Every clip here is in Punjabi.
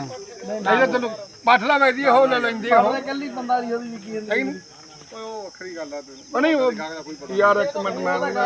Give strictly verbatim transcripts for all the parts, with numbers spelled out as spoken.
ਨਹੀਂ ਤੈਨੂੰ ਪੱਠ ਲਾ ਵੇਚਦੀ ਉਹ ਲੈ ਲੈਂਦੀ ਉਹ ਕੱਲੀ ਬੰਦਾ ਦੀ ਉਹਦੀ ਵਿਕੀ ਜਾਂਦੀ ਉਹ ਵੱਖਰੀ ਗੱਲ ਆ ਉਹ ਨਹੀਂ ਉਹ ਯਾਰ ਇੱਕ ਮਿੰਟ ਮੈਂ ਮੈਂ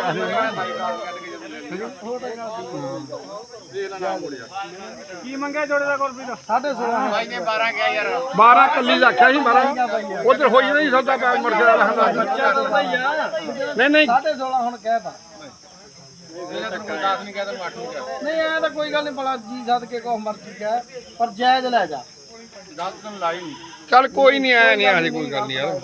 ਕੀ ਮੰਗਿਆ ਜੋੜੇ ਦਾ ਕੁਲਪ੍ਰੀਤ ਸਾਢੇ ਸੋਲਾਂ ਬਾਈ ਨੇ ਬਾਰਾਂ ਕਿਹਾ ਯਾਰ ਬਾਰਾਂ ਕੱਲੀ ਦਾ ਆਖਿਆ ਸੀ ਬਾਰਾਂ ਉਧਰ ਹੋਈ ਨਹੀਂ ਸੌਦਾ ਪੈ ਮੁੜ ਕੇ ਬੱਚਾ ਤਾਂ ਹੀ ਆ ਨਹੀਂ ਨਹੀਂ ਸਾਢੇ ਸੋਲਾਂ ਹੁਣ ਕਹਿਤਾ ਦਸ ਨਹੀਂ ਕਿਹਾ ਤੈਨੂੰ ਅੱਠ ਨਹੀਂ ਕਿਹਾ ਨਹੀਂ ਐ ਤਾਂ ਕੋਈ ਗੱਲ ਨਹੀਂ ਭਲਾ ਜੀ ਸਦ ਕੇ ਕੋ ਮਰਜ਼ੀ ਕਹਿ ਪਰ ਜਾਇਜ਼ ਲੈ ਜਾ ਦਸ ਤੈਨੂੰ ਲਾਈ ਨਹੀਂ ਚੱਲ ਕੋਈ ਨਹੀਂ ਆਇਆ ਨਹੀਂ ਹਜੇ ਕੋਈ ਗੱਲ ਨਹੀਂ ਯਾਰ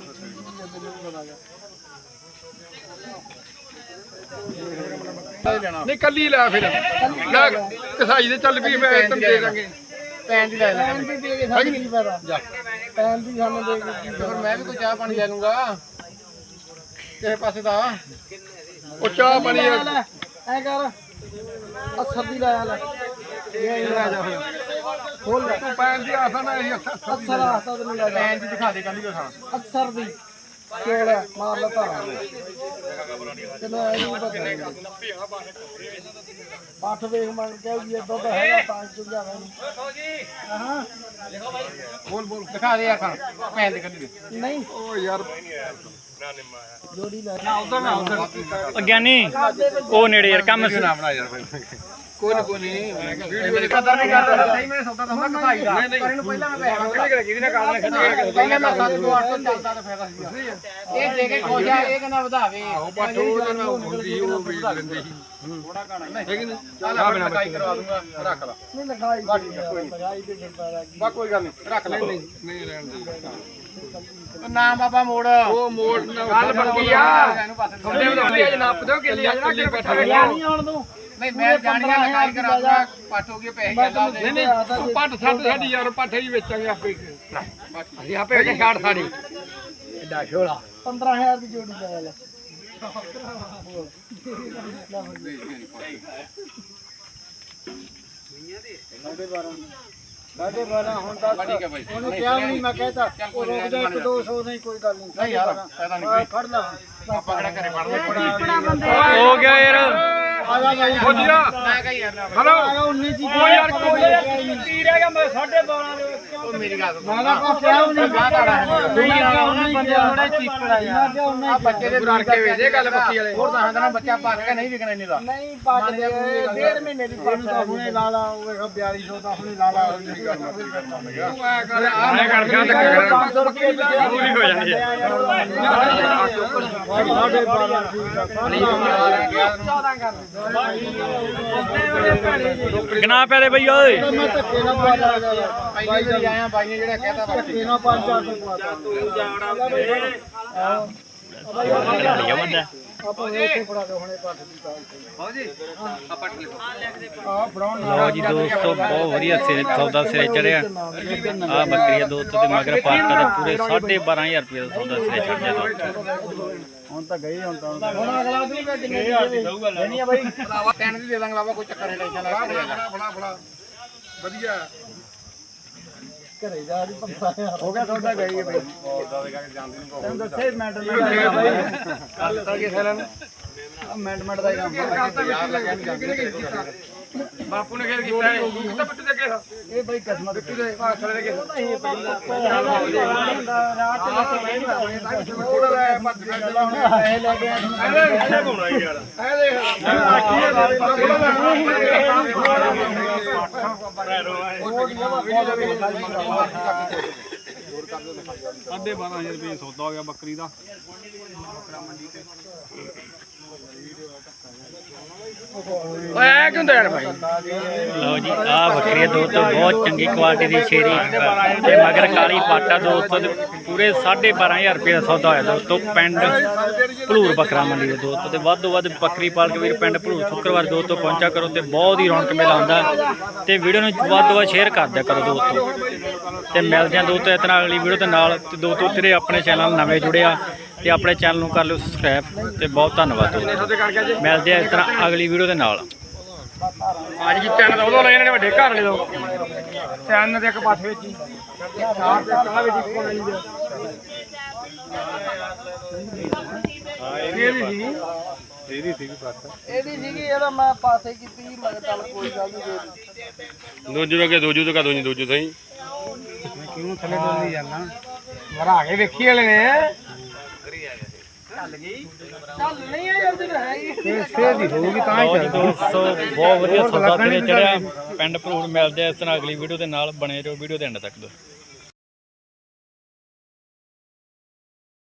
ਨਹੀਂ ਕੱਲੀ ਲੈ ਫਿਰ ਲੈ ਕਸਾਈ ਦੇ ਚੱਲ ਵੀ ਮੈਂ ਤੈਨੂੰ ਦੇ ਦਾਂਗੇ ਪੈਨ ਦੀ ਲੈ ਲੈ ਪੈਨ ਦੀ ਦੇ ਕੇ ਸਾਨੂੰ ਕੀ ਫਾਇਦਾ ਜਾ ਪੈਨ ਦੀ ਸਾਨੂੰ ਦੇ ਕੇ ਫਿਰ ਮੈਂ ਵੀ ਕੋਈ ਚਾਹ ਪਾਣੀ ਲੈ ਲੂੰਗਾ ਕਿਸੇ ਪਾਸੇ ਦਾ ਉਹ ਚਾਹ ਪਾਣੀ ਐ ਕਰ ਅਸਰ ਦੀ ਲਾਇਆ ਲੈ ਇਹ ਲੈ ਜਾ ਖੋਲ ਲੈ ਤੂੰ ਪੈਣ ਦੀ ਆਸਾਂ ਨਾ ਇਹ ਅਸਰ ਆਸਤਾ ਤੈਨੂੰ ਲੈ ਜਾ ਪੈਨ ਦੀ ਦਿਖਾ ਦੇ ਕੱਲੀ ਕੋ ਥਾਂ ਅਸਰ ਦੀ ਕੋਲ ਮਾਰ ਲਾ ਧਾਰਾਂ ਤੈਨੂੰ ਐ ਨਹੀਂ ਪਤਾ ਪਾਠ ਵੇਖ ਮੰਗ ਕੇ ਵੀ ਦੁੱਧ ਹੈਗਾ ਤਾਂ ਚੁੱਕ ਜਾਵੇ ਹਾਂ ਬੋਲ ਬੋਲ ਦਿਖਾ ਦੇ ਯਾਰ ਖਾਂ ਪੈਨ ਦੀ ਕੱਲੀ ਦੇ ਨਹੀਂ ਉਹ ਯਾਰ ਜੋੜੀ ਲੈ ਨਾ ਉਧਰ ਨਾ ਉਧਰ ਗਿਆਨੀ ਉਹ ਨੇੜੇ ਯਾਰ ਕੰਮ ਸੀ ਨਾ ਬਣਾ ਯਾਰ ਕੋਈ ਨਾ ਕੋਈ ਨਹੀਂ ਮੇਰੀ ਕਦਰ ਨਹੀਂ ਕਰਦਾ ਸਹੀ ਮੈਂ ਸੌਦਾ ਤਾਂ ਹੁੰਦਾ ਕਸਾਈ ਦਾ ਪਰ ਇਹਨੂੰ ਪਹਿਲਾਂ ਮੈਂ ਪੈਸੇ ਮੰਗਦਾ ਕਿਹਦੀ ਨਾ ਕਾਲ ਖੱਜ ਪਹਿਲਾਂ ਮੈਂ ਸੱਤ ਤੋਂ ਅੱਠ ਤੋਂ ਚੱਲਦਾ ਤਾਂ ਫਾਇਦਾ ਸੀ ਇਹ ਦੇ ਕੇ ਖੁਸ਼ ਆ ਇਹ ਕਹਿੰਦਾ ਵਧਾਵੇ ਉਹ ਪੱਠ ਉਹ ਨਾ ਹੁੰਦੀ ਉਹ ਵੀ ਲੈਂਦੀ ਸੀ ਥੋੜਾ ਘਾਣਾ ਨਹੀਂ ਚੱਲ ਆ ਮੈਂ ਲਗਾਈ ਕਰਵਾ ਦੂੰਗਾ ਰੱਖ ਲਾ ਨਹੀਂ ਲਗਾਈ ਲਗਾਈ ਤੇ ਫਿਰਦਾ ਰਹਿ ਬਾ ਕੋਈ ਗੱਲ ਨਹੀਂ ਰੱਖ ਲੈ ਨਹੀਂ ਨਹੀਂ ਰਹਿਣ ਦੇ ਨਾਮ ਬਾਬਾ ਮੋੜ ਉਹ ਮੋੜ ਗੱਲ ਬੱਕੀ ਆ ਇਹਨੂੰ ਪਾਸੇ ਥੋੜੇ ਵਧਾਉਂਦੇ ਅੱਜ ਨੱਪ ਦਿਓ ਕਿੱਲੀ ਅੱਜ ਨਾ ਕਿ ਬੈਠਾ ਨਹੀਂ ਆਉਣ ਤੂੰ ਨਹੀਂ ਮੈਂ ਜਾਣੀਆਂ ਲਗਾਈ ਕਰਾ ਦੂੰਗਾ ਪੱਟ ਹੋ ਗਏ ਪੈਸੇ ਜਾਂਦਾ ਨਹੀਂ ਨਹੀਂ ਪੱਠ ਛੱਡ ਸਾਡੀ ਯਾਰ ਪੱਠੇ ਹੀ ਵੇਚਾਂਗੇ ਆਪੇ ਅਸੀਂ ਆਪੇ ਕੇ ਛੱਡ ਸਾਡੀ ਐਡਾ ਛੋਲਾ ਪੰਦਰਾਂ ਹਜ਼ਾਰ ਦੀ ਜੋੜੀ ਲੈ ਲੈ ਸਾਡੇ ਬਾਰਾਂ ਹੁਣ ਦੱਸ ਠੀਕ ਹੈ ਬਾਈ ਉਹਨੇ ਕਿਹਾ ਨਹੀਂ ਮੈਂ ਕਹਿਤਾ ਉਹ ਰੁਕ ਜਾ ਇੱਕ ਦੋ ਸੌ ਨਹੀਂ ਕੋਈ ਗੱਲ ਨਹੀਂ ਨਹੀਂ ਯਾਰ ਫਾਇਦਾ ਨਹੀਂ ਕੋਈ ਫੜ ਲਾ ਆਪਾਂ ਕਿਹੜਾ ਘਰੇ ਪੜਦੇ ਹੋ ਗਿਆ ਯਾਰ ਆ ਜਾ ਭਾਈ ਹੋ ਜੀਆ ਮੈਂ ਕਹੀ ਯਾਰ ਨਾ ਹਲੋ ਆ ਉੱਨੀ ਜੀ ਉਹ ਯਾਰ ਕੋਈ ਕੀ ਰਹਿ ਗਿਆ ਮੈਂ ਸਾਢੇ ਬਾਰਾਂ ਦੇ ਉਹ ਮੇਰੀ ਗੱਲ ਸੁਣ ਮੈਂ ਨਾ ਕੋ ਕਿਹਾ ਨਹੀਂ ਗਾਹ ਤਾੜਾ ਹੈ ਨਹੀਂ ਆ ਉਹਨੇ ਬੰਦੇ ਥੋੜੇ ਚੀਕੜਾ ਯਾਰ ਆ ਬੱਚੇ ਦੇ ਰੜ ਕੇ ਵੇਚੇ ਗੱਲ ਬੱਕੀ ਵਾਲੇ ਹੋਰ ਤਾਂ ਹੰਦਾ ਬੱਚਾ ਪਾ ਕੇ ਨਹੀਂ ਵਿਕਣਾ ਇੰਨੇ ਦਾ ਨਹੀਂ ਪੱਟ ਦੇ ਡੇਢ ਮਹੀਨੇ ਦੀ ਪੱਟ ਤਾਂ ਹੁਣੇ ਲਾ ਲਾ ਉਹ ਵੇਖੋ ਬਿਆਲੀ ਸੌ ਦਾ ਹੁਣੇ ਲਾ ਲਾ ਤੂੰ ਐ ਕਰ ਆ ਕਰ ਗਿਆ ਧੱਕੇ ਪੰਜ ਸੌ ਰੁਪਏ ਦੀ ਪੂਰੀ ਹੋ ਜਾਂਦੀ ਹੈ ਸਾਢੇ ਬਾਰਾਂ ਠੀਕ ਆ ਚੌਦਾਂ ਕਰ ਗਨਾ ਪੈ ਦੇ ਬਈ ਓਏ ਮੈਂ ਧੱਕੇ ਨਾਲ ਪਾ ਲਾ ਬਾਈ ਜੀ ਆਇਆ ਬਾਈ ਨੇ ਜਿਹੜਾ ਕਹਿਤਾ ਬਾਕੀ ਧੱਕੇ ਨਾਲ ਪੰਜ ਚਾਰ ਸੌ ਪਾ ਲਿਆ ਬੰਦਾ ਆਪਾਂ ਉੱਥੇ ਫੜਾ ਦੇ ਹੁਣੇ ਪੱਟ ਦੀ ਕਾਲ ਹੋ ਜੀ ਆ ਪੱਟ ਲਿਖੋ ਆ ਫੜਾਉਣ ਲਓ ਜੀ ਦੋਸਤੋ ਬਹੁਤ ਵਧੀਆ ਸਿਰੇ ਸੌਦਾ ਸਿਰੇ ਚੜਿਆ ਆ ਬੱਕਰੀ ਆ ਦੋਸਤੋ ਤੇ ਮਗਰ ਪਾਟਾ ਦੇ ਪੂਰੇ ਸਾਢੇ ਬਾਰਾਂ ਹਜ਼ਾਰ ਰੁਪਏ ਦਾ ਸੌਦਾ ਸਿਰੇ ਚੜ ਗਿਆ ਹੁਣ ਤਾਂ ਗਈ ਹੁਣ ਤਾਂ ਹੁਣ ਅਗਲਾ ਦੂਗਾ ਕਿੰਨੇ ਦੀ ਦਊਗਾ ਲੈਣੀ ਆ ਬਾਈ ਪੈਨ ਦੀ ਦੇ ਦਾਂਗੇ ਬਾਬਾ ਕੋਈ ਚੱਕਰ ਨਹੀਂ ਟੈਨਸ਼ਨ ਲੈ ਫੜਾ ਫੜਾ ਫੜਾ ਵਧੀਆ ਘਰੇ ਜਾ ਰਹੀ ਪੰਦਰਾਂ ਹਜ਼ਾਰ ਹੋ ਗਿਆ ਤੁਹਾਡਾ ਗਈ ਬਈ ਉਦਾਂ ਦੇ ਕਰਕੇ ਜਾਂਦੇ ਨਹੀਂ ਤੈਨੂੰ ਦੱਸੇ ਮੈਂਟ ਨਾ ਬਾਈ ਕੱਲ ਤਾਂ ਕਿਸੇ ਨੇ ਮੈਂਟ ਮੈਂਟ ਦਾ ਹੀ ਕੰਮ ਯਾਰ ਲੱਗਿਆ ਨਹੀਂ ਜਾਂਦੇ ਬਾਪੂ ਨੇ ਖੇਰ ਕੀਤਾ ਹੈ ਕਿੱਥੇ ਬੱਟ ਦੇ ਕੇ ਇਹ ਬਈ ਕਿਸਮਤ ਕਿਤੇ ਪਾਸਲੇ ਦੇ ਕੇ ਇਹ ਪਹਿਲਾਂ ਰਾਤ ਲੈ ਕੇ ਥੋੜਾ ਜਿਹਾ ਭੱਜ ਕੇ ਚੱਲਾ ਹੁਣ ਪੈਸੇ ਲੈ ਕੇ ਇਹਦੇ ਪਾਉਣਾ ਯਾਰ ਇਹ ਦੇਖ ਆਖੀ ਸਾਢੇ ਬਾਰਾਂ ਹਜ਼ਾਰ ਰੁਪਏ ਸੌਦਾ ਹੋ ਗਿਆ ਬੱਕਰੀ ਦਾ ਓਏ ਕਿਉਂ ਦੇਣ ਭਾਈ ਲਓ ਜੀ ਆ ਬੱਕਰੀ ਦੋਸਤੋ ਬਹੁਤ ਚੰਗੀ ਕੁਆਲਿਟੀ ਦੀ ਸ਼ੇਰੀ ਤੇ ਮਗਰ ਕਾਲੀ ਪਾਟਾ ਦੋਸਤੋ ਤੇ ਪੂਰੇ ਸਾਢੇ ਬਾਰਾਂ ਹਜ਼ਾਰ ਰੁਪਏ ਦਾ ਸੌਦਾ ਹੋਇਆ ਦੋਸਤੋ ਪਿੰਡ ਭਲੂਰ ਬੱਕਰਾ ਮੰਡੀ ਦੇ ਦੋਸਤੋ ਤੇ ਵੱਧ ਤੋਂ ਵੱਧ ਬੱਕਰੀ ਪਾਲਕ ਵੀਰ ਪਿੰਡ ਭਲੂਰ ਸ਼ੁੱਕਰਵਾਰ ਦੋਸਤੋ ਪਹੁੰਚਾ ਕਰੋ ਤੇ ਬਹੁਤ ਹੀ ਰੌਣਕ ਮੇਲਾ ਹੁੰਦਾ ਤੇ ਵੀਡੀਓ ਨੂੰ ਵੱਧ ਤੋਂ ਵੱਧ ਸ਼ੇਅਰ ਕਰ ਦਿਆ ਕਰੋ ਦੋਸਤੋ ਤੇ ਮਿਲਦੇ ਆ ਦੋਸਤੋ ਇਸ ਤਰ੍ਹਾਂ ਅਗਲੀ ਵੀਡੀਓ ਦੇ ਨਾਲ ਤੇ ਦੋਸਤੋ ਤੇਰੇ ਆਪਣੇ ਚੈਨਲ ਨਵੇਂ ਜੁੜਿਆ ਤੇ ਆਪਣੇ ਚੈਨਲ ਨੂੰ ਕਰ ਲਿਓ ਸਬਸਕ੍ਰਾਈਬ ਤੇ ਬਹੁਤ ਧੰਨਵਾਦ ਦੋਸਤੋ ਮਿਲਦੇ ਆ ਇਸ ਤਰ੍ਹਾਂ ਅਗਲੀ ਵੀਡੀਓ ਦੇ ਨਾਲ ਅੱਜ ਕੀ ਚੈਨਲ ਉਦੋਂ ਲੈ ਇਹਨਾਂ ਨੇ ਵੱਡੇ ਘਰ ਵਾਲੇ ਤੋਂ ਚੈਨਲ ਦੇ ਇੱਕ ਪਾਸੇ ਵਿੱਚ ਹੀ ਚਾਰ ਤੇ ਕਾਲਾ ਵਿੱਚ ਇੱਕੋ ਨਹੀਂ ਦੇ ਇਹ ਵੀ ਸੀ ਇਹਦੀ ਸੀਗੀ ਪੱਟ ਇਹਦੀ ਸੀਗੀ ਇਹਦਾ ਮੈਂ ਪਾਸੇ ਕੀਤੀ ਮੈਂ ਕਿਹਾ ਚੱਲ ਕੋਈ ਗੱਲ ਨਹੀਂ ਦੇ ਦੂਜੇ ਵੇ ਦੂਜੂ ਤੋਂ ਕਾ ਦੂਜੀ ਦੂਜੂ ਸਹੀ ਕਿਉਂ ਥੱਲੇ ਡੋਲੀ ਜਾਂਦਾ ਮਰਾ ਕੇ ਵੇਖੀ ਵਾਲੇ ਨੇ ਚੱਲ ਨਹੀਂ ਆ ਯਾਰ ਤੇ ਹੈ ਹੀ ਫੇਰ ਦੀ ਹੋਊਗੀ ਤਾਂ ਲਓ ਜੀ ਦੋਸਤੋ ਬਹੁਤ ਵਧੀਆ ਸੌਦਾ ਤੇ ਚੜਿਆ ਪਿੰਡ ਭਲੂੜ। ਮਿਲਦੇ ਆ ਇਸ ਤਰ੍ਹਾਂ ਅਗਲੀ ਵੀਡੀਓ ਦੇ ਨਾਲ, ਬਣੇ ਰਹੋ ਵੀਡੀਓ ਦੇ ਐਂਡ ਤੱਕ।